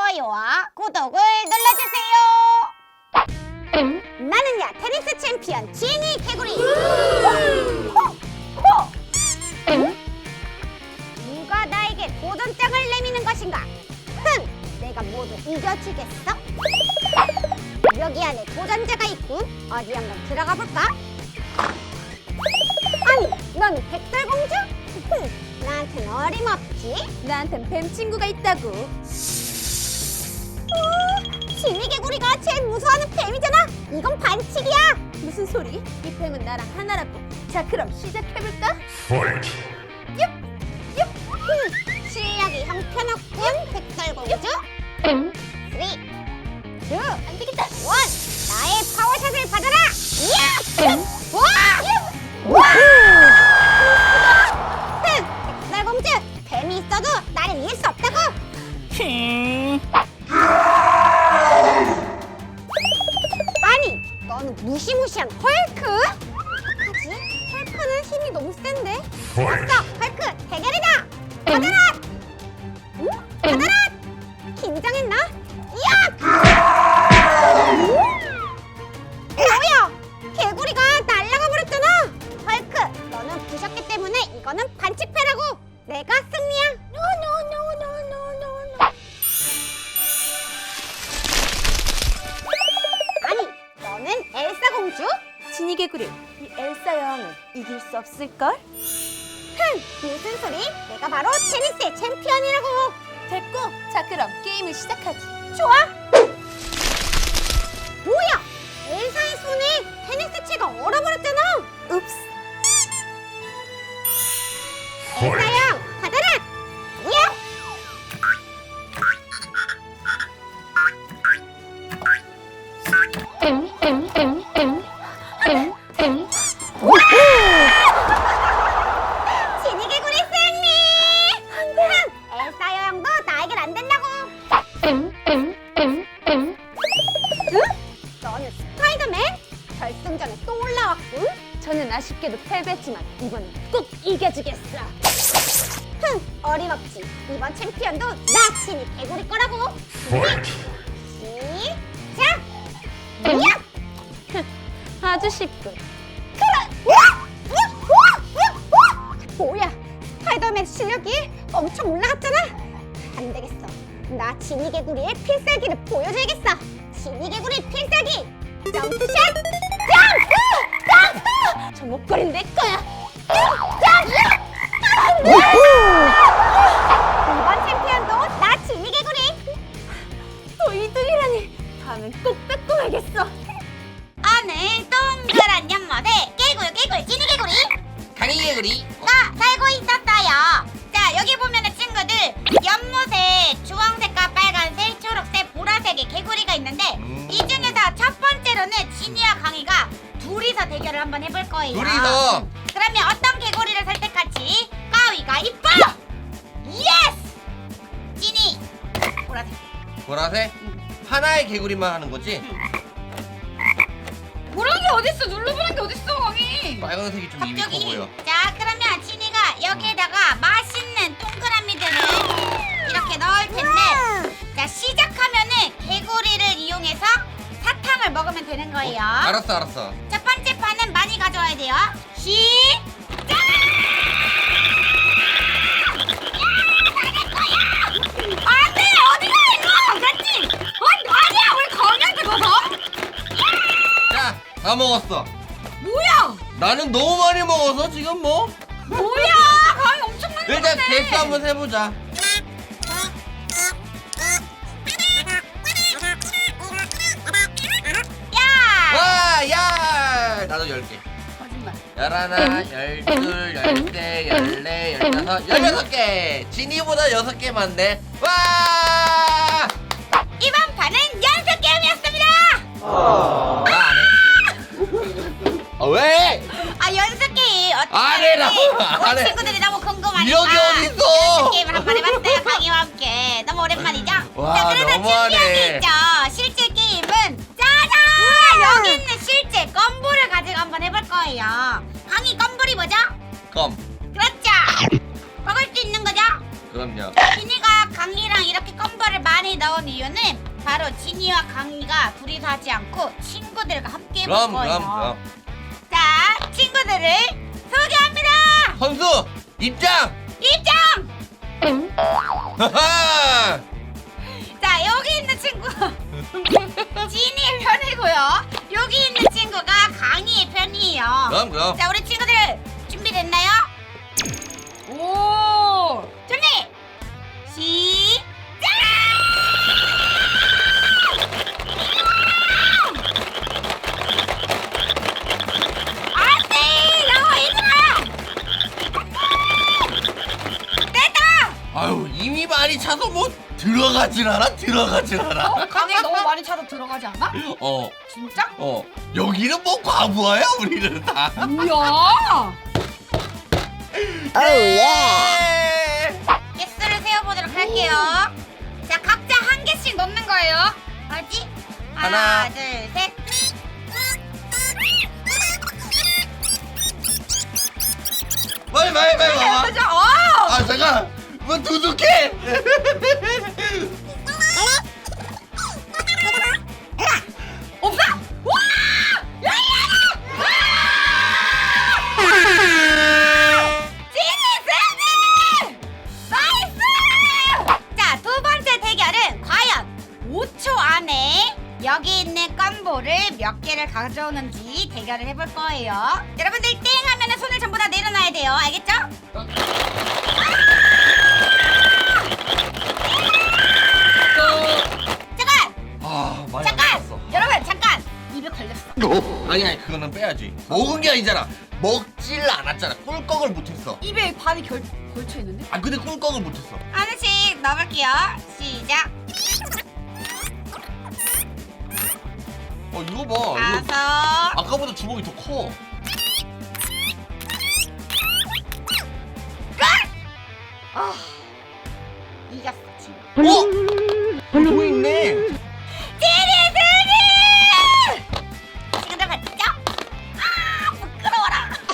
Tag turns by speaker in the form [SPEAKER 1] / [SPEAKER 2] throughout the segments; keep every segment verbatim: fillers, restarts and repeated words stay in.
[SPEAKER 1] 좋아요와 구독을 눌러주세요. 나는야 테니스 챔피언 지니 개구리. 누가 나에게 도전장을 내미는 것인가? 흥! 내가 모두 이겨주겠어? 여기 안에 도전자가 있군. 어디 한번 들어가 볼까? 아니, 넌 백설공주? 흥! 나한텐 어림없지?
[SPEAKER 2] 나한텐 뱀 친구가 있다고.
[SPEAKER 1] 어, 지니개구리가 제일 무서워하는 뱀이잖아. 이건 반칙이야.
[SPEAKER 2] 무슨 소리? 이 뱀은 나랑 하나라고. 자, 그럼 시작해볼까?
[SPEAKER 3] Fight!
[SPEAKER 1] 흠, 실력이 형편없군, 백설공주. 쓰리, 투,
[SPEAKER 2] 안 되겠다.
[SPEAKER 1] 원. 나의 파워샷을 받아라. 이야! 와! 와! 흥, 백설공주, 뱀이 있어도 나를 이길 수 없다고. 아니, 너는 무시무시한 헐크? 어떡하지? 헐크는 힘이 너무 센데?
[SPEAKER 3] Fight!
[SPEAKER 1] 됐어, 헐크 대결이다. 받아라! 응? 받아라! 긴장했나? 이야! 뭐야? 개구리가 날아가 버렸잖아. 헐크, 너는 부셨기 때문에 이거는 반칙패라고. 내가 승리야. 노노노노노노노. 아니, 너는 엘사 공주?
[SPEAKER 2] 지니개구리, 이 엘사 여왕은 이길 수 없을걸?
[SPEAKER 1] 흥! 무슨 소리? 내가 바로 테니스의 챔피언이라고.
[SPEAKER 2] 됐고, 자 그럼 게임을 시작하지.
[SPEAKER 1] 좋아. 뭐야? 엘사의 손에 테니스 채가 얼어버렸잖아.
[SPEAKER 2] 읍스.
[SPEAKER 1] 엘사 형, 받아라. 야! 지니개구리 승리! 흥! 엘사 여왕도 나에겐 안 된다고. 응? 너는 스파이더맨? 결승전에 또 올라왔군.
[SPEAKER 2] 저는 아쉽게도 패배했지만 이번엔 꼭 이겨주겠어.
[SPEAKER 1] 흥! 어림없지. 이번 챔피언도 나 지니 개구리 거라고.
[SPEAKER 3] Fight!
[SPEAKER 1] 시작! 야!
[SPEAKER 2] 아주 쉽군.
[SPEAKER 1] 뭐야? 스파이더맨 실력이 엄청 올라갔잖아. 안 되겠어. 나 지니 개구리의 필살기를 보여줘야겠어. 지니 개구리 필살기. 점프샷! 점프! 점프!
[SPEAKER 2] 저 목걸이는 내 거야.
[SPEAKER 1] 점프! 이번 챔피언도 나 지니 개구리.
[SPEAKER 2] 또 이 등이라니. 다음엔 꼭 뺏고 가겠어.
[SPEAKER 1] 오늘 동그란 연못에 개굴 개굴 지니 개구리
[SPEAKER 4] 강이개구리
[SPEAKER 1] 가 살고 있었어요. 자, 여기 보면은 친구들 연못에 주황색과 빨간색, 초록색, 보라색의 개구리가 있는데
[SPEAKER 4] 음.
[SPEAKER 1] 이 중에서 첫 번째로는 지니와 강이가 둘이서 대결을 한번 해볼 거예요.
[SPEAKER 4] 둘이서
[SPEAKER 1] 그러면 어떤 개구리를 선택할지 가위가위보! 예스! 지니 보라색.
[SPEAKER 4] 보라색 하나의 개구리만 하는 거지?
[SPEAKER 2] 보란 게 어딨어? 눌러보란 게 어딨어, 강이?
[SPEAKER 4] 빨간색이 좀 입이 커
[SPEAKER 1] 갑자기.
[SPEAKER 4] 보여.
[SPEAKER 1] 자, 그러면 지니가 여기에다가 맛있는 동그라미들을 이렇게 넣을 텐데, 자, 시작하면은 개구리를 이용해서 사탕을 먹으면 되는 거예요.
[SPEAKER 4] 알았어 알았어.
[SPEAKER 1] 첫 번째 판은 많이 가져와야 돼요. 시작! 안돼! 어디가 이거! 그렇지! 어, 아니야! 우리 강이한테 먹어!
[SPEAKER 4] 자, 다 먹었어.
[SPEAKER 1] 뭐야!
[SPEAKER 4] 나는 너무 많이 먹어서 지금 뭐?
[SPEAKER 1] 뭐야! 강이 엄청 많이
[SPEAKER 4] 일단
[SPEAKER 1] 먹었네!
[SPEAKER 4] 개수 한번 세보자.
[SPEAKER 1] 야!
[SPEAKER 4] 와, 야! 나도 열 개.
[SPEAKER 2] 거짓말.
[SPEAKER 4] 열하나, 열둘, 열세, 열네, 열다섯, 열여섯 개. 지니보다 여섯 개 많네. 와!
[SPEAKER 1] 이번 판은 연습 게임이었습니다!
[SPEAKER 4] 나 안 해. 아, 왜?
[SPEAKER 1] 아, 연습 게임 어떻게
[SPEAKER 4] 안 해라고, 안
[SPEAKER 1] 우리
[SPEAKER 4] 해.
[SPEAKER 1] 친구들이 너무 궁금하니까
[SPEAKER 4] 이런 게 어딨어?
[SPEAKER 1] 연습 게임을 한번 해봤어요. 강이와 함께. 너무 오랜만이죠?
[SPEAKER 4] 와,
[SPEAKER 1] 자, 그래서
[SPEAKER 4] 너무하네.
[SPEAKER 1] 준비한 게 있죠. 실제 게임은 짜잔! 여기 있는 실제 껌볼을 가지고 한번 해볼 거예요. 강이 껌볼이 뭐죠?
[SPEAKER 4] 껌.
[SPEAKER 1] 그렇죠. 먹을 수 있는 거죠?
[SPEAKER 4] 그럼요.
[SPEAKER 1] 지니가 강이랑 이렇게 껌볼을 많이 나온 이유는 바로 지니와 강이가 둘이서 하지 않고 친구들과 함께 해볼
[SPEAKER 4] 그럼
[SPEAKER 1] 거예요.
[SPEAKER 4] 그럼 그럼.
[SPEAKER 1] 자, 친구들을 소개합니다.
[SPEAKER 4] 선수 입장.
[SPEAKER 1] 입장.
[SPEAKER 4] 하하.
[SPEAKER 1] 자, 여기 있는 친구 지니의 편이고요. 여기 있는 친구가 강이의 편이에요.
[SPEAKER 4] 그럼 그럼.
[SPEAKER 1] 자, 우리 친구들 준비됐나요? 오, 준비 시작! 안돼, 나와 얘들아! 됐다!
[SPEAKER 4] 아유 이미 많이 차서 뭐 들어가질 않아 들어가질 않아.
[SPEAKER 1] 강이 너무 많이 차서 들어가지 않아?
[SPEAKER 4] 어.
[SPEAKER 1] 진짜?
[SPEAKER 4] 어. 여기는 뭐 과부하야 우리는 다.
[SPEAKER 1] 뭐야?
[SPEAKER 4] 예.
[SPEAKER 1] 개수를 세어보도록 할게요. 자, 각자 한 개씩 넣는 거예요. 알지? 하나,
[SPEAKER 4] 하나.
[SPEAKER 1] 둘, 셋.
[SPEAKER 4] 빨리 빨리 빨리 와봐.
[SPEAKER 1] 그죠? 어!
[SPEAKER 4] 아 잠깐. 뭐 두둑해.
[SPEAKER 1] 없어! 와! 야, 야, 야! 지니, 지니! 나이스! 자, 두 번째 대결은 과연 오 초 안에 여기 있는 껌볼을 몇 개를 가져오는지 대결을 해볼 거예요. 여러분들 땡 하면 손을 전부 다 내려놔야 돼요. 알겠죠? 잠깐!
[SPEAKER 4] 아 많이 안
[SPEAKER 1] 잠깐!
[SPEAKER 4] 먹었어.
[SPEAKER 1] 여러분 잠깐! 입에 걸렸어.
[SPEAKER 4] 아니 아니 그거는 빼야지. 먹은 게 아니잖아. 먹질 않았잖아. 꿀꺽을 못했어.
[SPEAKER 2] 입에 반이 결, 걸쳐 있는데?
[SPEAKER 4] 아 근데 꿀꺽을 못했어.
[SPEAKER 1] 하나씩 넣어볼게요. 시작.
[SPEAKER 4] 어 이거 봐. 이거
[SPEAKER 1] 다섯.
[SPEAKER 4] 아까보다 주먹이 더 커.
[SPEAKER 1] 아, 이겼어 지금.
[SPEAKER 4] 어? 뭐 있네.
[SPEAKER 1] 지니 지니! 친구들 봤죠? 아 부끄러워라.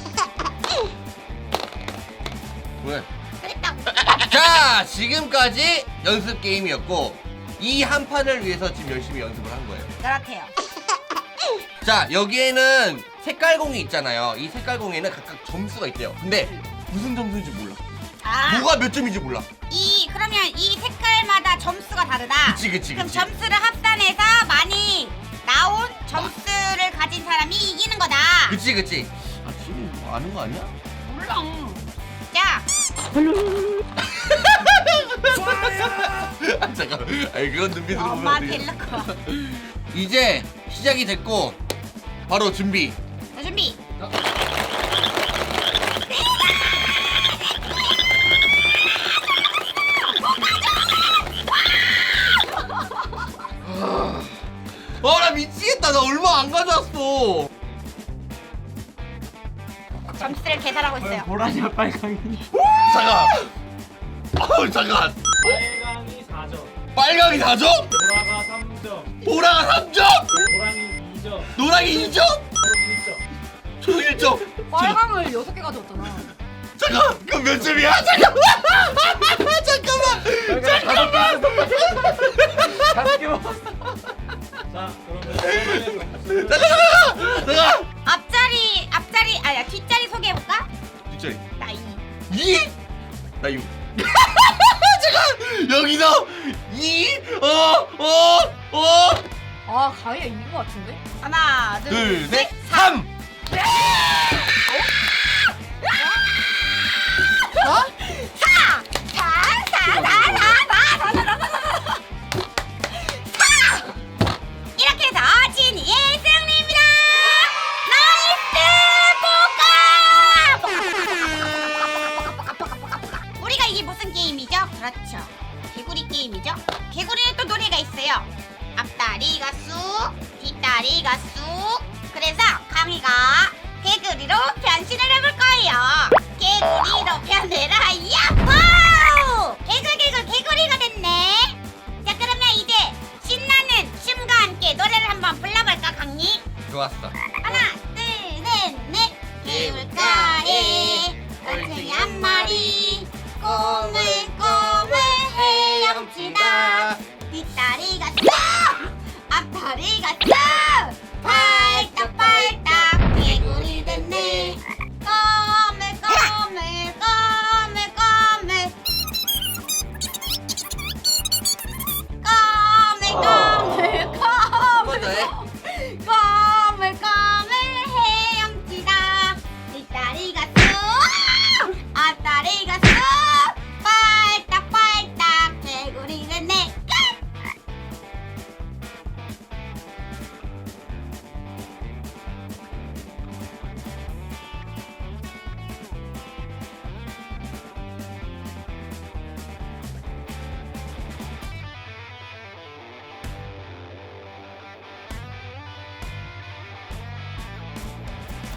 [SPEAKER 4] 왜?
[SPEAKER 1] 그랬다고.
[SPEAKER 4] 자 지금까지 연습 게임이었고 이 한 판을 위해서 지금 열심히 연습을 한 거예요.
[SPEAKER 1] 그렇대요.
[SPEAKER 4] 자 여기에는 색깔공이 있잖아요. 이 색깔공에는 각각 점수가 있대요. 근데 무슨 점수인지 몰라.
[SPEAKER 1] 아,
[SPEAKER 4] 뭐가 몇 점인지 몰라.
[SPEAKER 1] 이 그러면 이 색깔마다 점수가 다르다.
[SPEAKER 4] 그치 그치
[SPEAKER 1] 그럼
[SPEAKER 4] 그치.
[SPEAKER 1] 점수를 합산해서 많이 나온 점수를 가진 사람이 이기는 거다.
[SPEAKER 4] 그치 그치. 아 지금 뭐 아는 거 아니야?
[SPEAKER 1] 몰라. 자,
[SPEAKER 4] 아 잠깐. 아니 그건 눈빛으로 보면
[SPEAKER 1] 엄마한테
[SPEAKER 4] 어떡해.
[SPEAKER 1] 일러고 와.
[SPEAKER 4] 이제 시작이 됐고 바로 준비.
[SPEAKER 1] 자, 준비.
[SPEAKER 4] 어나 미치겠다. 나 얼마 안 가져왔어.
[SPEAKER 1] 점수를 계산하고 있어요.
[SPEAKER 3] 보라냐 빨강이.
[SPEAKER 4] 잠깐. 어 잠깐.
[SPEAKER 3] 빨강이 사 점,
[SPEAKER 4] 빨강이 사 점,
[SPEAKER 3] 보라가 삼 점,
[SPEAKER 4] 보라가 삼 점,
[SPEAKER 3] 노랑이 이 점,
[SPEAKER 4] 노랑이 이 점,
[SPEAKER 3] 초록 일 점.
[SPEAKER 4] 초록 일 점.
[SPEAKER 2] 빨강을 여섯 개 가져왔잖아.
[SPEAKER 4] 잠깐. 그럼 몇 점이야? 잠깐만. 잠깐만. 잠깐만.
[SPEAKER 3] 다섯 개 먹었어. 자, 그러면
[SPEAKER 4] 잠깐 잠깐. 잠깐.
[SPEAKER 1] 앞자리, 앞자리, 아야 뒷자리 소개해볼까?
[SPEAKER 4] 뒷자리.
[SPEAKER 1] 나 이.
[SPEAKER 4] 이? 나 육. 잠깐. 여기서 이, 어, 어, 어.
[SPEAKER 2] 아, 가위가 이긴 것 같은데?
[SPEAKER 1] 하나, 둘,
[SPEAKER 4] 둘,
[SPEAKER 1] 셋.
[SPEAKER 4] 셋, 삼.
[SPEAKER 1] 어? 사! 사! 사! 사! 사! 사! 사! 사! 사! 사! 이렇게 해서 지니의 승리입니다! 나이스! 우리가 이게 무슨 게임이죠? 그렇죠. 개구리 게임이죠? 개구리는 또 노래가 있어요. 앞다리가 쑥, 뒷다리가 쑥. 그래서 강이가 개구리로 변신을 해볼 거예요. 개구리로 변해라, 야호! 개굴 개굴 개구리가 됐네. 자, 그러면 이제 신나는 춤과 함께 노래를 한번 불러볼까, 강이?
[SPEAKER 4] 좋았어.